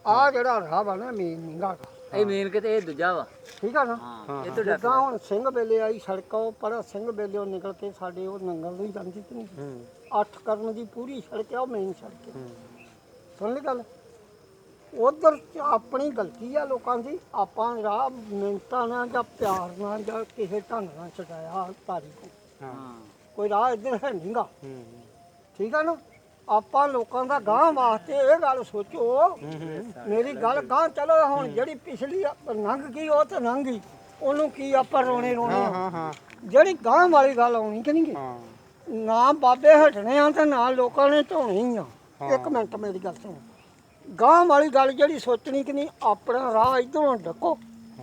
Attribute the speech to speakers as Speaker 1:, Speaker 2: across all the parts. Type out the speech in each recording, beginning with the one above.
Speaker 1: ਆ ਜਿਹੜਾ ਰਾਹ ਵਾ ਨਾ ਮੇਨ ਨੀਂਗਾ
Speaker 2: ਇਹ ਮੇਨ ਕਿਤੇ ਇਹ ਦੂਜਾ ਵਾ
Speaker 1: ਠੀਕ ਆ ਨਾ
Speaker 2: ਹਾਂ ਇਹ ਤੋਂ
Speaker 1: ਜਿੱਦਾਂ ਹੁਣ ਸਿੰਘ ਬੇਲੇ ਆਈ ਸੜਕ ਉਹ ਪਰ ਸਿੰਘ ਬੇਲੇ ਨਿਕਲ ਕੇ ਸਾਡੇ ਉਹ ਨੰਗਲ ਨੂੰ ਹੀ ਜਾਂਦੀ ਕਿ ਨਹੀਂ 8 ਕਰਮ ਦੀ ਪੂਰੀ ਸੜਕ ਆ ਉਹ ਮੇਨ ਸੜਕ ਹੈ ਸੁਣ ਲਈ ਗੱਲ ਉਧਰ ਆਪਣੀ ਗਲਤੀ ਆ ਲੋਕਾਂ ਦੀ ਆਪਾਂ ਰਾਹ ਮਿੰਟਾਂ ਨਾਲ ਜਾਂ ਪਿਆਰ ਨਾਲ ਜਾਂ ਕਿਸੇ ਢੰਗ ਨਾਲ ਛਡਾਇਆ ਤਾਰੀ ਕੋ ਕੋਈ ਰਾਹ ਇੱਧਰ ਹੈ ਨਹੀਂਗਾ ਠੀਕ ਆ ਨਾ ਆਪਾਂ ਲੋਕਾਂ ਦਾ ਗਾਂਹ ਵਾਸਤੇ ਇਹ ਗੱਲ ਸੋਚੋ ਮੇਰੀ ਗੱਲ ਗਾਂਹ ਚਲੋ ਹੁਣ ਜਿਹੜੀ ਪਿਛਲੀ ਲੰਘ ਗਈ ਉਹ ਤਾਂ ਲੰਘ ਗਈ ਉਹਨੂੰ ਕੀ ਆਪਾਂ ਰੋਣੇ ਆ ਜਿਹੜੀ ਗਾਂਹ ਵਾਲੀ ਗੱਲ ਆਉਣੀ ਕਿ ਨਹੀਂ ਨਾ ਬਾਬੇ ਹਟਣੇ ਆ ਤੇ ਨਾ ਲੋਕਾਂ ਨੇ ਢੋਣੀ ਆ ਇੱਕ ਮਿੰਟ ਮੇਰੀ ਗੱਲ ਸੁਣ ਗਾਂਹ ਵਾਲੀ ਗੱਲ ਜਿਹੜੀ ਸੋਚਣੀ ਕਿ ਨਹੀਂ ਆਪਣਾ ਰਾਹ ਇੱਧਰੋਂ ਡੱਕੋ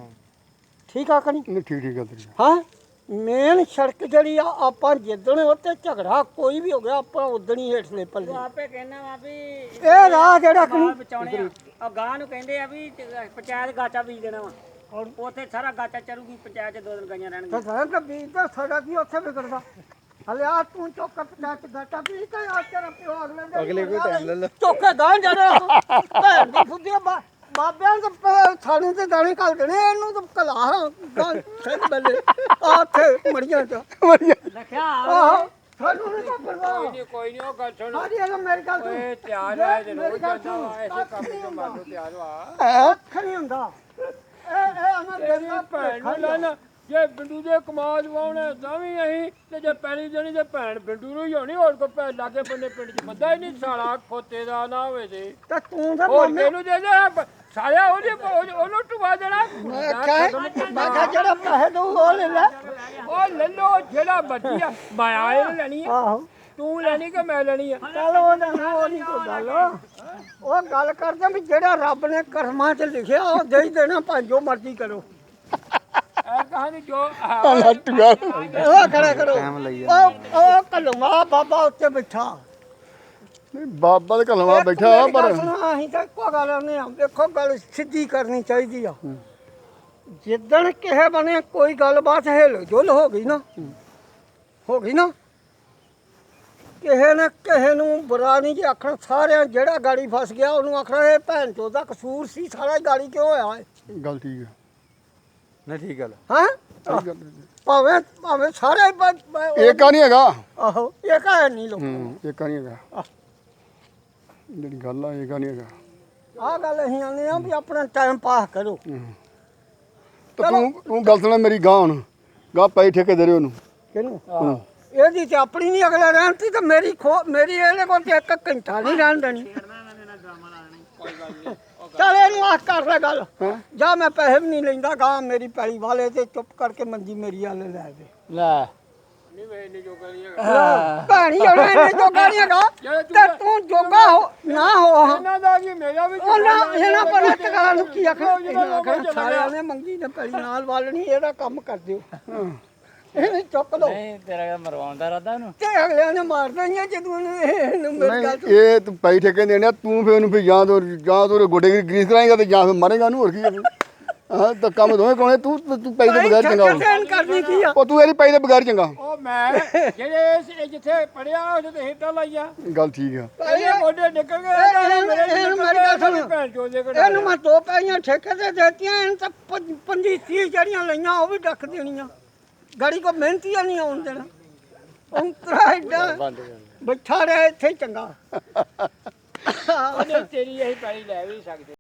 Speaker 1: ਠੀਕ ਆ ਕਿ ਨਹੀਂ
Speaker 3: ਠੀਕ ਆ ਤੇਰੀ
Speaker 1: ਹਾਂ ਮੇਨ ਸੜਕ ਜਿਹੜੀ ਆ ਆਪਾਂ ਜਿੱਦਣ ਉੱਤੇ ਝਗੜਾ ਕੋਈ ਵੀ ਹੋ ਗਿਆ ਆਪਾਂ ਉਦਣ ਹੀ ਹੇਠਲੇ ਪੱਲੇ
Speaker 2: ਆਪੇ ਕਹਿਣਾ ਵਾ ਵੀ
Speaker 1: ਇਹ ਰਾਹ ਜਿਹੜਾ ਕਿ
Speaker 2: ਬਚਾਉਣੇ ਆ ਗਾਂ ਨੂੰ ਕਹਿੰਦੇ ਆ ਵੀ ਪੰਚਾਇਤ ਗਾਚਾ ਬੀਜ ਦੇਣਾ ਵਾ ਉੱਥੇ ਸਾਰਾ ਗਾਚਾ ਚਰੂਗੀ ਪੰਚਾਇਤ 'ਚ 2 ਦਿਨ ਗਾਈਆਂ ਰਹਿਣਗੀਆਂ
Speaker 1: ਤਾਂ ਤਾਂ ਬੀਜ ਤਾਂ ਸਾਡਾ ਕੀ ਉੱਥੇ ਵਿਗੜਦਾ ਹਲੇ ਆ ਤੂੰ ਚੁੱਕ ਪੰਚਾਇਤ ਗਾਟਾ ਬੀਜ ਤਾਂ ਆ ਤੇਰਾ ਪਿਓ ਅਗਲੇ ਕੋਈ ਟਾਈਮ ਲੈ ਲੈ ਚੁੱਕ ਗਾਂ ਜਾਣਾ ਭੈਣ ਦੀ ਫੁੱਦੀਆਂ ਬਾਬਿਆਂ ਦੇ ਥਾਣੇ ਤੇ ਦਾਣੇ ਘੱਲ ਦੇਣੇ ਇਹਨੂੰ ਤਾਂ ਕਲਾ ਗਾਂ ਸਿੰਘ ਬੱਲੇ ਆ ਉੱਥੇ ਮੜੀਆਂ ਚ
Speaker 2: ਰੱਖਿਆ
Speaker 1: ਆਹੋ ਸਾਨੂੰ ਨਹੀਂ ਤਾਂ ਪਰਵਾਹ
Speaker 2: ਕੋਈ ਨਹੀਂ ਉਹ ਗੱਲ ਸੁਣ
Speaker 1: ਸਾਡੀ ਇਹ ਮੇਰੀ ਗੱਲ ਸੁਣ
Speaker 2: ਓਏ ਤਿਆਰ ਹੈ ਜਰੂਰ ਜਾਂਦਾ ਵਾ ਐਸੇ ਕੰਮ ਤੋਂ ਮਾਰੋ ਤਿਆਰ ਵਾ
Speaker 1: ਅੱਖ ਨਹੀਂ ਹੁੰਦਾ ਇਹ ਅਮਰ ਗਰੀਬ
Speaker 2: ਭੈਣ ਨੂੰ ਲੈਣਾ ਜੇ ਬਿੰਦੂ ਦੇ ਕਮਾਜ ਵਾਉਣੇ ਤਾਂ ਵੀ ਅਸੀਂ ਤੇ ਜੇ ਪੈਲੀ ਜਣੀ ਤੇ ਭੈਣ ਬਿੰਦੂ ਨੂੰ ਹੀ ਹੋਣੀ ਹੋਰ ਕੋ ਭੈਣ ਲਾਗੇ ਬੰਨੇ ਪਿੰਡ 'ਚ ਬੰਦਾ ਹੀ ਨਹੀਂ ਸਾਲਾ ਖੋਤੇ ਦਾ ਨਾ ਹੋਵੇ ਤੇ
Speaker 1: ਤਾਂ ਤੂੰ ਤਾਂ
Speaker 2: ਹੋਰ ਇਹਨੂੰ ਦੇ ਦੇ ਸਾਲਿਆ ਉਹਨੂੰ ਟੁਵਾ ਦੇਣਾ
Speaker 1: ਮੈਂ ਕਿਹਾ ਜਿਹੜਾ ਪੈਸੇ ਦਊ ਉਹ ਲੈ ਲੈ
Speaker 2: ਉਹ ਲੈ ਲੋ ਜਿਹੜਾ ਬੱਜੀ ਆ ਮਾਇਆ ਇਹ ਲੈਣੀ ਆ
Speaker 1: ਆਹੋ
Speaker 2: ਤੂੰ ਲੈਣੀ ਕਿ ਮੈਂ ਲੈਣੀ ਆ
Speaker 1: ਚੱਲ ਉਹ ਨਹੀਂ ਕੋਈ ਗੱਲ ਉਹ ਗੱਲ ਕਰਦੇ ਵੀ ਜਿਹੜਾ ਰੱਬ ਨੇ ਕਰਮਾਂ 'ਚ ਲਿਖਿਆ ਉਹ ਦੇ ਹੀ ਦੇਣਾ ਭਾਵੇਂ ਜੋ ਮਰਜ਼ੀ ਕਰੋ
Speaker 2: ਐ ਕਹਾਣੀ ਜੋ
Speaker 1: ਉਹ ਖੜਾ ਕਰੋ ਉਹ ਕਲਮਾ ਬਾਬਾ ਉੱਤੇ ਬੈਠਾ
Speaker 3: ਨਹੀਂ ਬਾਬਾ ਦੇ ਘਲਵਾ ਬੈਠਾ ਪਰ
Speaker 1: ਅਸੀਂ ਤਾਂ ਇੱਕੋ ਗੱਲ ਆਉਂਦੇ ਆ ਦੇਖੋ ਗੱਲ ਸਿੱਧੀ ਕਰਨੀ ਚਾਹੀਦੀ ਆ ਜਿੱਦਣ ਕਿਸੇ ਬਣੇ ਕੋਈ ਗੱਲਬਾਤ ਹਿਲ ਜੁਲ ਹੋ ਗਈ ਨਾ ਕਿਸੇ ਨੇ ਕਿਸੇ ਨੂੰ ਬੁਰਾ ਨਹੀਂ ਜੀ ਆਖਣਾ ਸਾਰਿਆਂ ਜਿਹੜਾ ਗਾੜੀ ਫਸ ਗਿਆ ਉਹਨੂੰ ਆਖਣਾ ਇਹ ਭੈਣ ਚੋਦ ਦਾ ਕਸੂਰ ਸੀ ਸਾਰਾ ਗਾੜੀ ਕਿਉਂ ਹੋਇਆ
Speaker 3: ਗੱਲ ਠੀਕ ਆ
Speaker 4: ਨਾ ਠੀਕ ਗੱਲ
Speaker 1: ਹਾਂ ਭਾਵੇਂ ਸਾਰੇ
Speaker 3: ਏਕਾ ਨਹੀਂ ਹੈਗਾ
Speaker 1: ਆਹੋ ਇਹ ਕਾ ਨਹੀਂ ਲੋਕ
Speaker 3: ਏਕਾ ਨਹੀਂ ਹੈਗਾ ਜਿਹੜੀ ਗੱਲ ਆ ਏਕਾ ਨਹੀਂ ਹੈਗਾ
Speaker 1: ਆਹ ਗੱਲ ਅਸੀਂ ਆਉਂਦੇ ਆ ਵੀ ਆਪਣਾ ਟਾਈਮ ਪਾਸ ਕਰੋ
Speaker 3: ਤਾਂ ਤੂੰ ਗੱਲ ਸੁਣਾ ਮੇਰੀ ਗਾਂ ਹੁਣ ਗਾਂ ਪੈ ਠੇਕੇ ਦੇ ਰਹੇ ਉਹਨੂੰ
Speaker 1: ਕਿਹਨੂੰ ਇਹਦੀ ਤੇ ਆਪਣੀ ਨਹੀਂ ਅਗਲਾ ਰਹਿਣਤੀ ਤਾਂ ਮੇਰੀ ਇਹਦੇ ਕੋਲ ਤੇ 1 ਘੰਟਾ ਨਹੀਂ ਰਹਿਣ ਦੇਣੀ ਚੱਲ ਇਹਨੂੰ ਆਖ ਕਰ ਲੈ ਗੱਲ ਜਾਂ ਮੈਂ ਪੈਸੇ ਵੀ ਨਹੀਂ ਲੈਂਦਾ ਗਾਂ ਮੇਰੀ ਪੈਲੀ ਵਾਲੇ ਤੇ ਚੁੱਪ ਕਰਕੇ ਮੰਜੀ ਮੇਰੀ ਵਾਲੇ ਲੈ ਦੇ
Speaker 2: ਲੈ ਨਹੀਂ ਵੇ ਨਹੀਂ ਜੋਗਾ ਨਹੀਂ ਹੈਗਾ
Speaker 1: ਭੈਣੀ ਜਿਹੜਾ ਇਹਨੇ ਜੋਗਾ ਨਹੀਂ ਹੈਗਾ ਤੇ ਤੂੰ ਜੋਗਾ ਹੋ ਨਾ ਹੋ
Speaker 2: ਇਹਨਾਂ ਦਾ ਕੀ ਮੇਰਾ ਵੀ
Speaker 1: ਇਹਨਾਂ ਪਰ ਟਕਾਂ ਨੂੰ ਕੀ ਆਖਣਾ ਸਾਰਿਆਂ ਨੇ ਮੰਗੀ ਨੇ ਪੈਲੀ ਨਾਲ ਵਾਲਣੀ ਇਹਦਾ ਕੰਮ ਕਰ ਦਿਓ ਇਹ ਚੁੱਕ ਲਓ
Speaker 2: ਨਹੀਂ ਤੇਰਾ ਮਰਵਾਉਣ ਦਾ ਇਰਾਦਾ ਉਹਨੂੰ
Speaker 1: ਤੇ ਅਗਲਿਆਂ ਨੇ ਮਾਰ ਦੇਣੀਆਂ ਜਦੋਂ ਇਹਨੂੰ ਮੇਰੀ ਗੱਲ
Speaker 3: ਨਹੀਂ ਇਹ ਤੂੰ ਪੈ ਠੇਕੇ ਦੇਣੇ ਤੂੰ ਫੇ ਉਹਨੂੰ ਫੇ ਜਾਂ ਤੂੰ ਗੋਡੇ ਗਰੀਸ ਕਰਾਏਗਾ ਤੇ ਜਾਂ ਫੇ ਮਾਰੇਗਾ ਉਹਨੂੰ ਹੋਰ ਕੀ ਹਾਂ ਤਾਂ ਕੰਮ ਦੋਵੇਂ ਕੋਣੇ ਤੂੰ ਪੈ ਦੇ ਬਗੈਰ ਚੰਗਾ
Speaker 1: ਕਰਨੀ ਕੀ ਆ
Speaker 3: ਉਹ ਤੂੰ ਇਹਦੀ ਪੈ ਦੇ ਬਗੈਰ ਚੰਗਾ
Speaker 2: ਉਹ ਮੈਂ ਜਿਹੜੇ ਜਿੱਥੇ ਪੜਿਆ ਉਹਦੇ ਤੇ ਹਿੱਟਾਂ ਲਾਈਆਂ
Speaker 3: ਗੱਲ ਠੀਕ ਆ
Speaker 2: ਇਹਦੇ ਗੋਡੇ ਨਿਕਲ ਗਏ
Speaker 1: ਇਹਨੂੰ ਮੇਰੀ ਗੱਲ ਸੁਣ
Speaker 2: ਭੈਣ ਚੋਦੇ
Speaker 1: ਇਹਨੂੰ ਮੈਂ 2 ਪੈਲੀਆਂ ਠੇਕੇ ਤੇ ਦੇਤੀਆਂ ਇਹਨੂੰ ਤਾਂ 25-30 ਜਿਹੜੀਆਂ ਲਈਆਂ ਉਹ ਵੀ ਡੱਕ ਦੇਣੀਆਂ ਗਾੜੀ ਕੋ ਮਿਹਨਤੀ ਨਹੀਂ ਆਉਣ ਦੇਣਾ ਅੰਤਰਾ ਐਡਾ ਬੈਠਾ ਰਿਹਾ ਇੱਥੇ ਚੰਗਾ
Speaker 2: ਉਹਨੇ ਤੇਰੀ ਇਹੀ ਪੈਲੀ ਲੈ ਵੀ ਸਕਦੇ